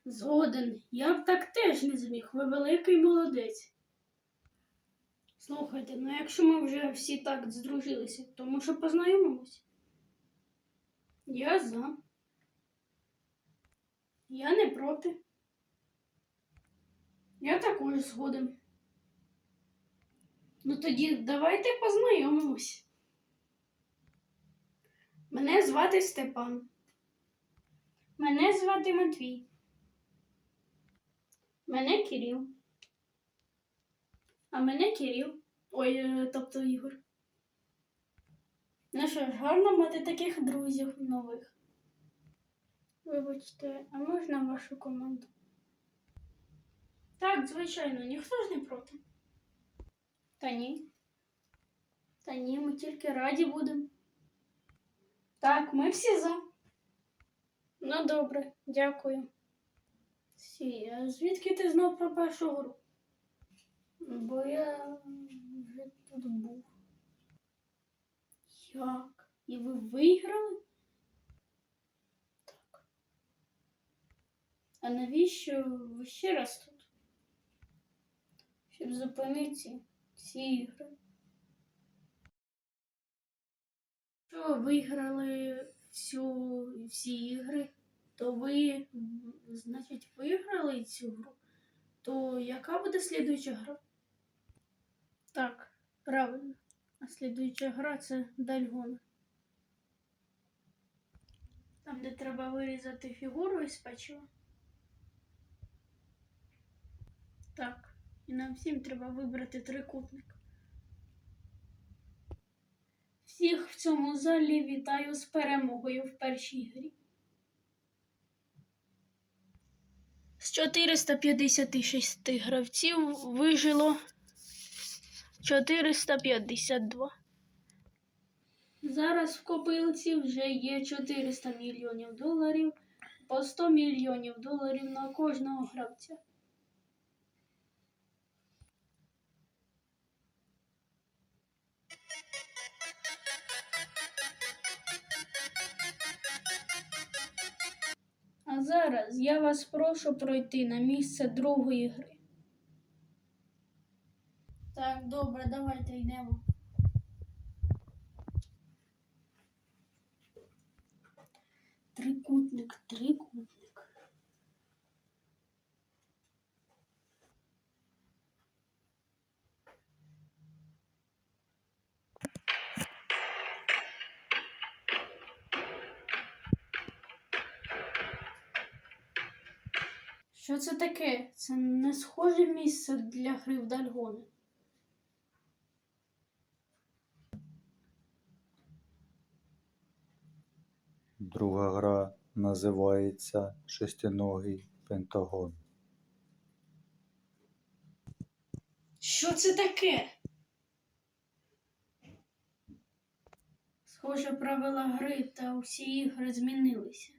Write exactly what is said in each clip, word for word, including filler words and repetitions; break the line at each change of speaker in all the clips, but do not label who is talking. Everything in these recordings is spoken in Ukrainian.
Згоден. Я б так теж не зміг. Ви великий молодець. Слухайте, ну якщо ми вже всі так здружилися, то може познайомимось? Я за. Я не проти. Я також згоден. Ну тоді давайте познайомимось. Мене звати Степан. Мене звати Матвій. Мене Кирил. А мене Кирил. Ой, е, тобто Ігор. Ну що ж, гарно мати таких друзів нових. Вибачте, а можна вашу команду? Так, звичайно, ніхто ж не проти. Та ні. Та ні, ми тільки раді будемо. Так, ми всі за. Ну добре, дякую. Сі, а звідки ти знав про першу гру? Бо я вже тут був. Як? І ви виграли? Так. А навіщо ви ще раз тут? Щоб зупинити ці, ці ігри. Якщо ви виграли всю, всі ігри, то ви, значить, виграли цю гру. То яка буде слідуюча гра? Так, правильно. А слідуюча гра це Дальгон. Там, де треба вирізати фігуру із печива. Так, і нам всім треба вибрати трикутник. Всіх в цьому залі вітаю з перемогою в першій грі. З чотириста п'ятдесят шість гравців вижило чотириста п'ятдесят два. Зараз в копилці вже є чотириста мільйонів доларів, по сто мільйонів доларів на кожного гравця. А зараз я вас прошу пройти на місце другої гри. Так, добре, давайте йдемо. Трикутник, трикутник. Що це таке? Це не схоже місце для гри в Дальгони.
Друга гра називається «Шестиногий пентагон».
Що це таке? Схоже, правила гри та усі ігри змінилися.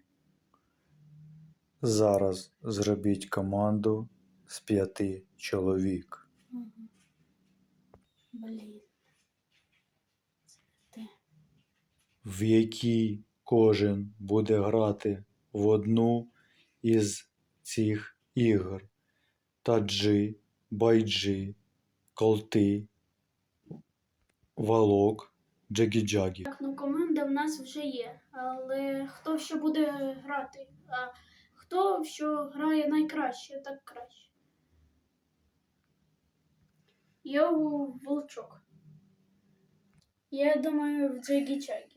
Зараз зробіть команду з п'яти чоловік.
Угу. Блін. Це те.
В якій кожен буде грати в одну із цих ігор: таджи, байджи, колти, валок, джагі-джагі.
Так, ну команда в нас вже є, але хто що буде грати? А хто що грає найкраще, так краще. Я у Волчок. Я думаю, в Джагі-Чагі.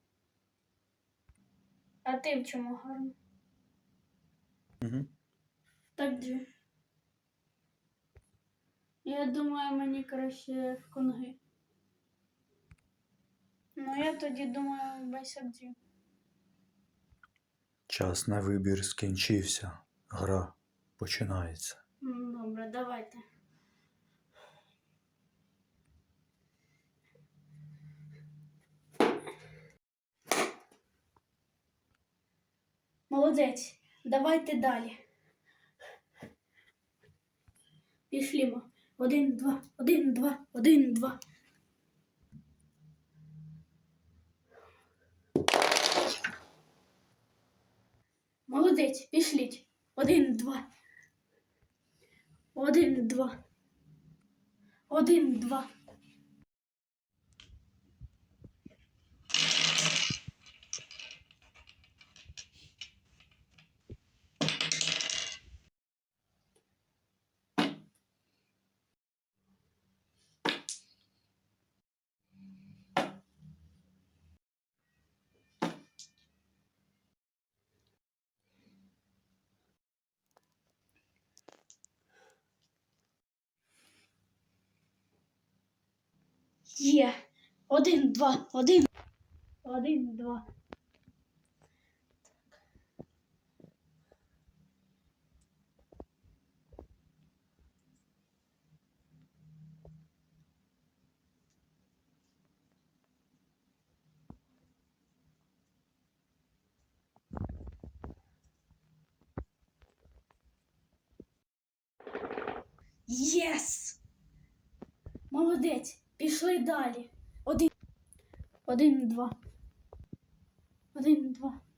А ти в чому гарно?
Угу.
Так же. Я думаю, мені краще в Конги. Ну, я тоді думаю, в Байсакджі.
Час на вибір скінчився. Гра починається.
Добре, давайте. Молодець, давайте далі. Пішлімо. Один, два, один, два, один, два. Молодець, пішліть. Один, два. Один, два. Один, два. Є. Один, два, один. Один, два. Єс! Молодець. Пішли далі. Один. Один, два. Один, два.